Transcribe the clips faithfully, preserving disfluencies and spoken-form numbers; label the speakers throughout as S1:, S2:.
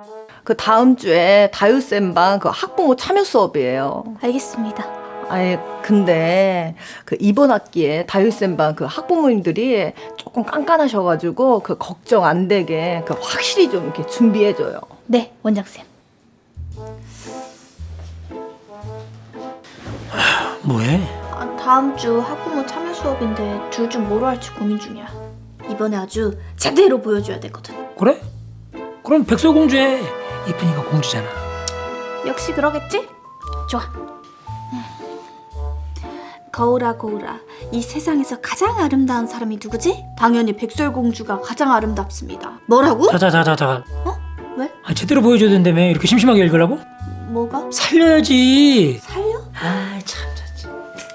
S1: 그 다음 주에 다유쌤방 그 학부모 참여 수업이에요.
S2: 알겠습니다.
S1: 아예 근데 그 이번 학기에 다유쌤방 그 학부모님들이 조금 깐깐하셔가지고 그 걱정 안 되게 그 확실히 좀 이렇게 준비해줘요.
S2: 네, 원장쌤.
S3: 뭐해?
S2: 아, 다음 주 학부모 참여 수업인데 둘 중 뭐로 할지 고민 중이야. 이번에 아주 제대로 보여줘야 되거든.
S3: 그래? 그럼 백설공주해. 이쁜이가 공주잖아.
S2: 역시 그러겠지? 좋아. 음. 거울아 거울아, 이 세상에서 가장 아름다운 사람이 누구지? 당연히 백설공주가 가장 아름답습니다. 뭐라고?
S3: 자자자자자.
S2: 어? 왜?
S3: 아, 제대로 보여줘야 된다며. 이렇게 심심하게 읽으려고?
S2: 뭐가?
S3: 살려야지.
S2: 살려?
S3: 아, 참, 참.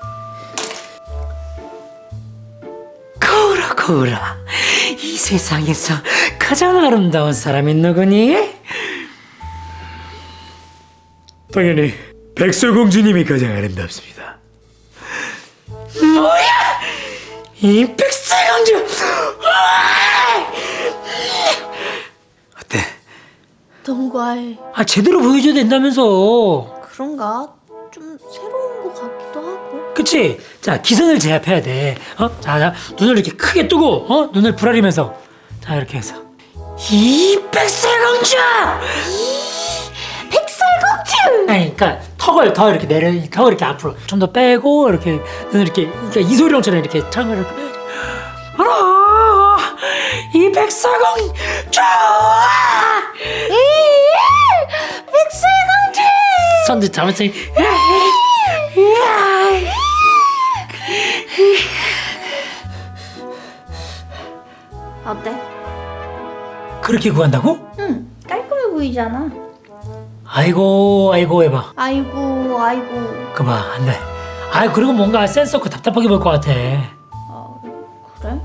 S3: 거울아, 거울아. 이 세상에서 가장 아름다운 사람이 누구니? 당연히 백설공주님이 가장 아름답습니다. 뭐야? 이 백설공주! 어때?
S2: 너무 과해.
S3: 아, 제대로 보여줘야 된다면서.
S2: 그런가? 좀 새로운 것 같기도 하고.
S3: 그치? 자, 기선을 제압해야 돼. 어? 자, 자, 눈을 이렇게 크게 뜨고, 어? 눈을 부라리면서. 자, 이렇게 해서. 이 백설공주!
S2: 백설공주!
S3: 아니, 그러니까 턱을 더 이렇게 내려, 턱을 이렇게 앞으로 좀 더 빼고, 이렇게 눈을 이렇게, 그러니까 이소룡처럼 이렇게 창을 이렇게 빼. 알아! 이 백설공주!
S2: 백설공주!
S3: 손도 잘못생.
S2: 어때?
S3: 그렇게 구한다고?
S2: 응, 깔끔해 보이잖아.
S3: 아이고, 아이고 해봐.
S2: 아이고, 아이고.
S3: 그봐, 안 돼. 아이, 그리고 뭔가 센스 없고 답답하게 보일 것 같아.
S2: 아, 그래?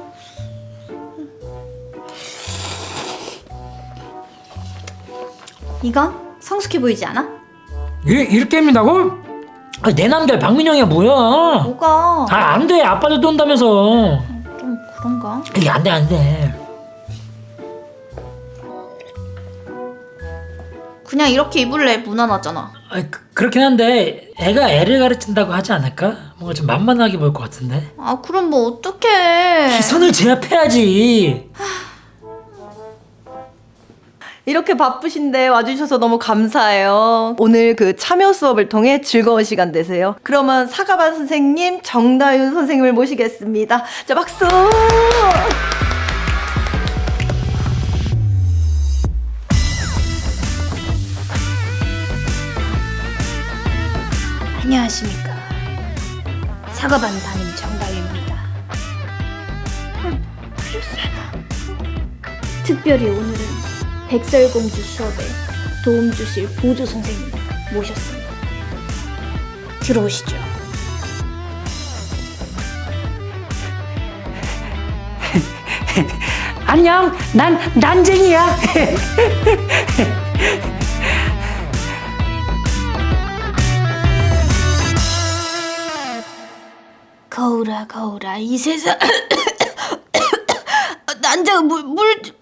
S2: 이건 성숙해 보이지 않아?
S3: 이, 이렇게 입는다고? 아, 내 남자 박민영이야 뭐야?
S2: 뭐가?
S3: 아, 안 돼. 아빠도 돈다면서.
S2: 좀 그런가?
S3: 이게 안 돼, 안 돼.
S2: 그냥 이렇게 입을래 무난하잖아.
S3: 아, 그, 그렇긴 한데 애가 애를 가르친다고 하지 않을까? 뭔가 좀 만만하게 보일 것 같은데.
S2: 아, 그럼 뭐 어떡해.
S3: 기선을 제압해야지.
S1: 이렇게 바쁘신데 와주셔서 너무 감사해요. 오늘 그 참여 수업을 통해 즐거운 시간 되세요. 그러면 사과반 선생님, 정다윤 선생님을 모시겠습니다. 자, 박수!
S2: 안녕하십니까. 사과반 담임 정다윤입니다. 특별히 오늘은 백설공주 수업에 도움 주실 보조 선생님 모셨습니다. 들어오시죠.
S3: 안녕, 난 난쟁이야.
S2: 거울아 거울아, 이 세상 난자가 물, 물